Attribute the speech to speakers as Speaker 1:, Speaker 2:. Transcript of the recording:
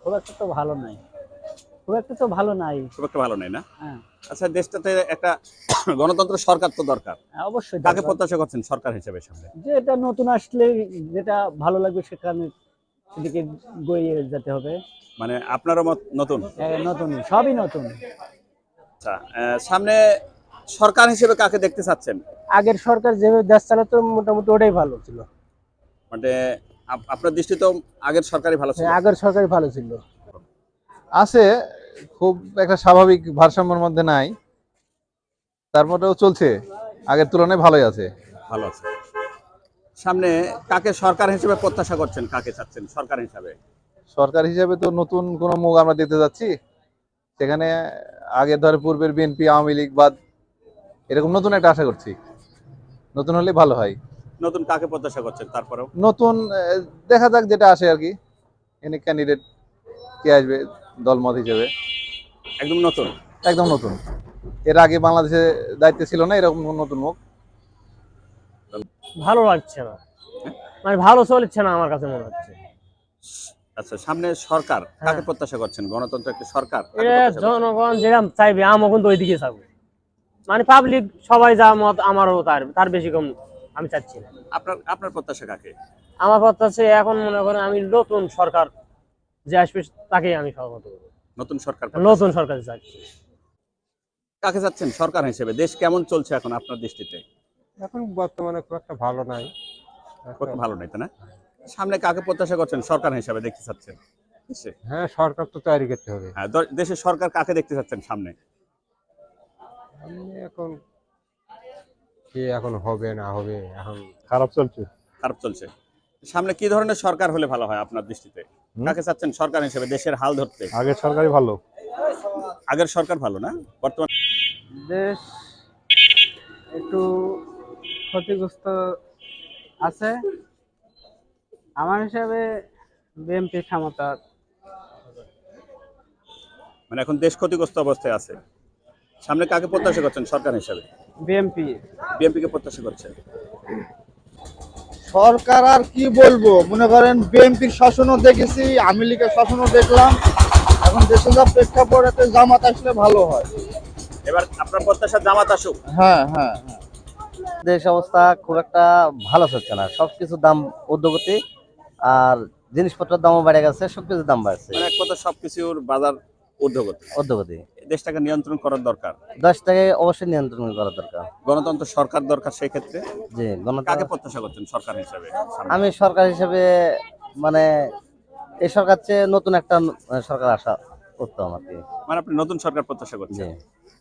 Speaker 1: খুব একটা তো ভালো নাই। খুব একটা তো ভালো নাই।
Speaker 2: খুব একটা ভালো নেই না?
Speaker 1: হ্যাঁ,
Speaker 2: আচ্ছা, দেশটাতে একটা গণতন্ত্র সরকার তো দরকার।
Speaker 1: হ্যাঁ, অবশ্যই
Speaker 2: কাকে
Speaker 1: দরকার।
Speaker 2: প্রত্যাশা করছেন সরকার হিসেবে সামনে?
Speaker 1: যে এটা নতুন আসলে যেটা ভালো লাগবে সেখানে সেদিকে গড়িয়ে যেতে হবে।
Speaker 2: মানে আপনারও মত নতুন?
Speaker 1: নতুন, সবই নতুন।
Speaker 2: আচ্ছা, সামনে সরকার হিসেবে কাকে দেখতে চাচ্ছেন?
Speaker 1: আগের সরকার যেভাবে দেশ চালাতো মোটামুটি ওটাই ভালো ছিল।
Speaker 2: মানে আপনার দৃষ্টিতেও আগের সরকারই ভালো ছিল?
Speaker 1: আগের সরকারই ভালো ছিল।
Speaker 3: আছে, খুব একটা স্বাভাবিক ভারসাম্যের মধ্যে নাই, তারপরেও চলছে, আগের তুলনায় ভালোই আছে।
Speaker 2: ভালো আছে। সামনে কাকে সরকার হিসেবে প্রত্যাশা করছেন, কাকে চাচ্ছেন সরকার হিসাবে?
Speaker 3: সরকার হিসেবে তো নতুন কোনো মুখ আমরা দেখতে যাচ্ছি, সেখানে আগে ধরে পূর্বের বিএনপি আওয়ামী লীগ বাদ এরকম নতুন একটা আশা করছি, নতুন হলে ভালো হয়।
Speaker 2: নতুন কাকে প্রত্যাশা করছেন তারপরেও?
Speaker 3: নতুন দেখা যাক যেটা আসে আর কি, এনে ক্যান্ডিডেট কে আসবে দলমত হিসেবে।
Speaker 2: একদম নতুন?
Speaker 3: একদম নতুন, এর আগে বাংলাদেশে দায়িত্বে ছিল না এরকম কোন নতুন মুখ।
Speaker 1: ভালো লাগছে না, মানে ভালো চলছে না আমার কাছে মনে হচ্ছে।
Speaker 2: আচ্ছা, সামনে সরকার কাকে প্রত্যাশা করছেন? গণতন্ত্র একটা সরকার কাকে
Speaker 1: এটা
Speaker 2: প্রত্যাশা করছেন?
Speaker 1: জনগণ যেরকম চাইবে আমও কিন্তু ওইদিকে চাবো। মানে পাবলিক সবাই যা মত আমারও তার তার বেশি কম আমি চাচ্ছি না।
Speaker 2: আপনার আপনার প্রত্যাশা কাকে?
Speaker 1: আমার কথা হচ্ছে এখন মনে করেন আমি নতুন সরকার যে আসবে তাকেই আমি সহমত করবো।
Speaker 2: নতুন সরকার প্রত্যাশা।
Speaker 1: নতুন সরকার চাচ্ছি।
Speaker 2: কাকে চাচ্ছেন সরকার হিসেবে? দেশ কেমন চলছে এখন আপনার দৃষ্টিতে?
Speaker 4: এখন বর্তমানে খুব একটা ভালো নাই।
Speaker 2: খুব একটা ভালো নাই, তাই না? সামনে কাকে প্রত্যাশা করছেন সরকার হিসেবে দেখতে চাচ্ছেন দেশে?
Speaker 4: হ্যাঁ, সরকার তো তৈরি করতে হবে।
Speaker 2: হ্যাঁ, দেশের সরকার কাকে দেখতে চাচ্ছেন সামনে?
Speaker 4: এখন কি এখন হবে না হবে, এখন খারাপ চলছে।
Speaker 2: খারাপ চলছে। সামনে কি ধরনের সরকার হলে ভালো হয় আপনার দৃষ্টিতে? কাকে চাচ্ছেন সরকার হিসেবে দেশের হাল ধরতে?
Speaker 4: আগের সরকারই ভালো।
Speaker 2: আগের সরকার ভালো না? বর্তমান
Speaker 5: দেশ একটু ক্ষতিগ্রস্ত আছে। আমার হিসাবে বিএনপি ক্ষমতা।
Speaker 2: মানে এখন দেশ ক্ষতিগ্রস্ত অবস্থায় আছে। সামনে কাকে প্রত্যাশা করছেন সরকার হিসেবে?
Speaker 5: বিএনপি
Speaker 2: বিএনপি কে প্রত্যাশা করছেন?
Speaker 6: সরকার আর কি বলবো, মনে করেন বিএনপির শাসনও দেখেছি, আওয়ামী লীগের শাসনও দেখলাম। এখন দেশে যা প্রেক্ষাপট, এতে জামাত আসলে ভালো হয়।
Speaker 2: এবার আপনার প্রত্যাশা জামাত আসুক?
Speaker 6: হ্যাঁ হ্যাঁ হ্যাঁ।
Speaker 7: দেশ অবস্থা খুব একটা ভালো চলছে না, সবকিছুর দাম ঊর্ধ্বগতি, আর জিনিসপত্রের দামও বেড়ে গেছে, সবকিছুর দাম বাড়ছে
Speaker 2: মানে এক কথা সবকিছুর বাজার ঊর্ধ্বগতি।
Speaker 7: ঊর্ধ্বগতি।
Speaker 2: দেশটাকে নিয়ন্ত্রণ করার দরকার।
Speaker 7: দেশটাকে অবশ্যই নিয়ন্ত্রণ করা দরকার।
Speaker 2: গণতন্ত্র সরকার দরকার সেই ক্ষেত্রে।
Speaker 7: যে
Speaker 2: কাকে প্রত্যাশা করছেন সরকার হিসেবে সামনে?
Speaker 7: আমি সরকার হিসেবে মানে এই সরকার চেয়ে নতুন একটা সরকার আসা উত্তম আর কি।
Speaker 2: মানে আপনি নতুন সরকার প্রত্যাশা করছেন?
Speaker 7: জি।